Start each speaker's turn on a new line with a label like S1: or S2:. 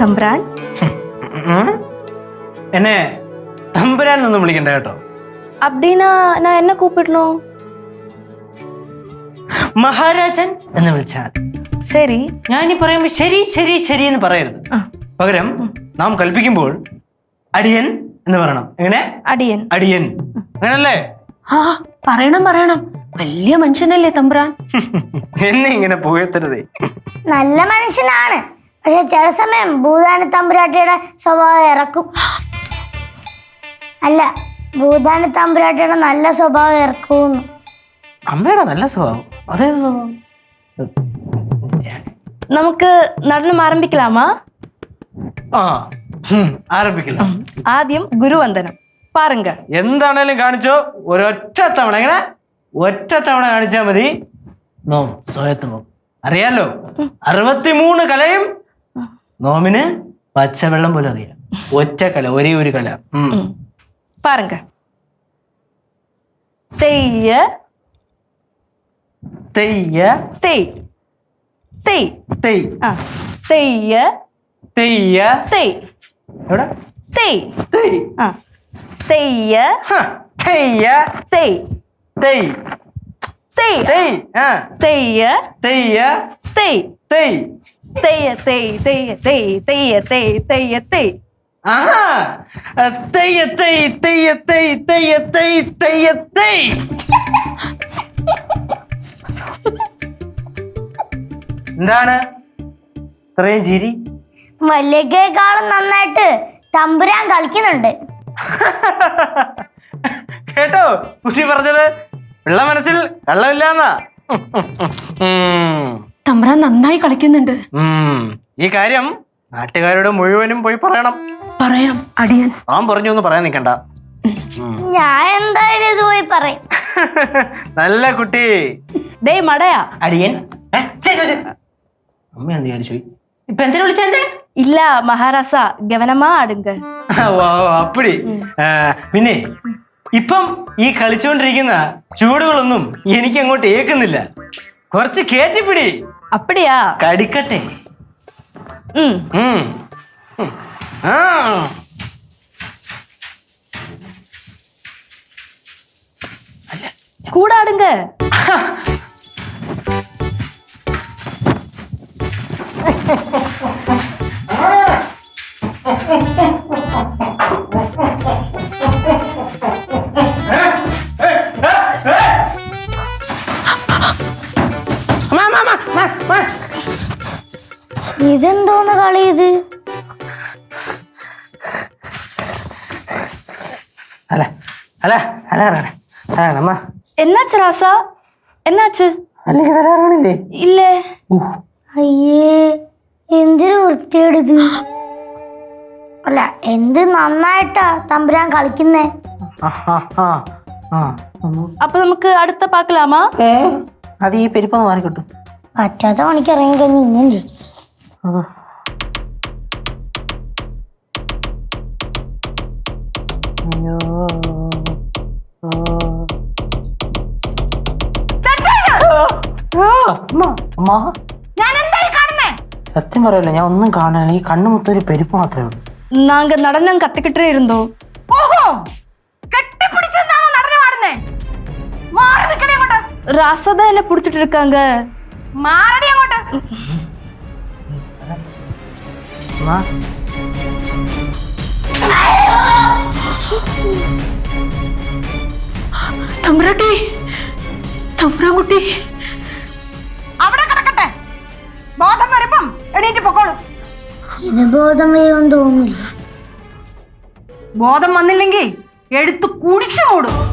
S1: തമ്പുരാൻ.
S2: എന്നെ തമ്പുരാൻ ഒന്നും വിളിക്കണ്ട കേട്ടോ.
S1: அப்படின்னா நான் என்ன கூப்பிடணும்?
S2: മഹാരാജൻ എന്ന് വിളിച്ചാൽ
S1: ശരി.
S2: ഞാനീ പറയുമ്പോ ശരി ശരി ശരി എന്ന് പറയരുത്. പകരം നാം കൽപ്പിക്കുമ്പോൾ അടിയൻ എന്ന് പറയണം. എങ്ങനെ?
S1: അടിയൻ.
S2: അടിയൻ അങ്ങനല്ലേ?
S3: ആ പറയണം പറയണം. വലിയ മനുഷ്യനല്ലേ തമ്പുരാൻ.
S2: എന്നെ ഇങ്ങനെ പുകഴ്ത്തരുതേ.
S4: നല്ല മനുഷ്യനാണ്, പക്ഷെ ചില സമയം ഭൂതാന തമ്പുരാട്ടിയുടെ സ്വഭാവം ഇറക്കും. അല്ല, ഭൂതാന തമ്പുരാട്ടിയുടെ നല്ല സ്വഭാവം ഇറക്കും.
S2: അമ്മയുടെ നല്ല സ്വഭാവം അതേത് സ്വഭാവം?
S1: നമുക്ക് നടനം ആരംഭിക്കലാമാ?
S2: ആരംഭിക്കില്ല.
S1: ആദ്യം ഗുരുവന്ദനം പാരുങ്ക.
S2: എന്താണേലും കാണിച്ചോ, ഒരൊറ്റ തവണ. എങ്ങനെ? ഒറ്റ തവണ കാണിച്ചാൽ മതി. നോം സ്വയത്ത് നോം അറിയാലോ, 63 കലയും നോമിന് പച്ചവെള്ളം പോലെ അറിയാം. ഒറ്റ കല, ഒരേ ഒരു കല.
S1: പാരുങ്ക. തെയ്യ
S2: തെയ്യ
S1: തെയ് തെയ്
S2: തെയ്.
S1: തെയ്യ
S2: തെയ്യ
S1: തെയ്.
S2: എവിടെ?
S1: തെയ്.
S2: തെയ്.
S1: തെയ്യ
S2: തെയ്യ
S1: തെയ്
S2: തെയ്
S1: തെയ്
S2: തെയ്.
S1: തെയ്യ
S2: തെയ്യ
S1: തെയ്
S2: തെയ്.
S1: തെയ്യ തെയ് തെയ്യ തെയ് തെയ്യ തെയ് തെയ്യ തെയ്.
S2: തെയ്യ തെയ് തെയ്യ തെയ് തെയ്യ തെയ് തെയ്യ തെയ്. എന്താണ് ഇത്രയും ചിരി?
S4: വലിയക്കാളും നന്നായിട്ട് തമ്പുരാൻ കളിക്കുന്നുണ്ട്.
S2: കേട്ടോ കുട്ടി പറഞ്ഞത്? പിള്ള മനസ്സിൽ കള്ളമില്ലാന്നാ.
S3: തമ്പുരാൻ നന്നായി കളിക്കുന്നുണ്ട്.
S2: ഈ കാര്യം നാട്ടുകാരുടെ മുഴുവനും പോയി പറയണം.
S3: പറയാം അടിയൻ.
S2: ഞാൻ പറഞ്ഞു എന്ന് പറയാൻ നിൽക്കണ്ട.
S4: ഞാൻ എന്തായാലും ഇത് പോയി പറയും.
S2: നല്ല കുട്ടി.
S1: ഡേ മടയാ.
S2: അടിയൻ. അമ്മ എന്ത് വിചാരിച്ചു? ഇപ്പൊ എന്തിനാ വിളിച്ചെന്നെ?
S1: ഇല്ല മഹാരാസ, ഗവനമാ ആടുങ്ക.
S2: അപ്പടി. പിന്നെ ഇപ്പം ഈ കളിച്ചുകൊണ്ടിരിക്കുന്ന ചൂടുകളൊന്നും എനിക്ക് അങ്ങോട്ട് ഏക്കുന്നില്ല. കുറച്ച് കേറ്റിപ്പിടി.
S1: അപ്പടിയാ?
S2: കടിക്കട്ടെ.
S1: കൂടാടുങ്ക.
S4: ഇതെന്തോന്ന് കളി ഇത്?
S2: അല്ല അല്ല അല്ല അമ്മ
S1: എന്നാச்சு ராசா? എന്നാச்சு?
S2: അല്ലെങ്കിൽ തരാറാണില്ലേ?
S1: ഇല്ലേ.
S4: അയ്യേ, എന്തൊരു വൃത്തിയേടിത്. അല്ല, എന്ത് നന്നായിട്ടാ തമ്പുരാൻ കളിക്കുന്നേ.
S1: അപ്പൊ നമുക്ക് അടുത്ത പാക്കലാമാ?
S2: അത് ഈ പെരുപ്പൊന്ന് മാറിക്കിട്ടും.
S4: പറ്റാത്ത പണിക്ക് ഇറങ്ങി കഴിഞ്ഞ് ഇങ്ങനെ ചെയ്യും.
S2: സത്യം പറയല്ലോ, ഞാൻ ഒന്നും കാണാൻ. ഈ കണ്ണു മൊത്തം ഒരു പെരുപ്പ് മാത്രമേ ഉള്ളൂ.
S1: நாங்க நடனம் கத்துக்கிட்டே இருந்தோம்.
S3: ഓഹോ, കെട്ടിപ്പിടിച്ചെന്താണോ നടനം ആടുന്നേ? മാറി നിൽക്കണേ അങ്ങോട്ട്.
S1: ராசா என்ன புடிச்சிட்டு இருக்காங்க.
S3: മാറടി അങ്ങോട്ട്. തമ്പുരാട്ടി, തമ്പുരാൻകുട്ടി അവിടെ കിടക്കട്ടെ. ബോധം വരുമ്പം എണീറ്റ് പൊക്കോളും.
S4: ഇത് ബോധം വരുമെന്ന് തോന്നുന്നില്ല.
S3: ബോധം വന്നില്ലെങ്കിൽ എടുത്ത് കുടിച്ചു മൂടും.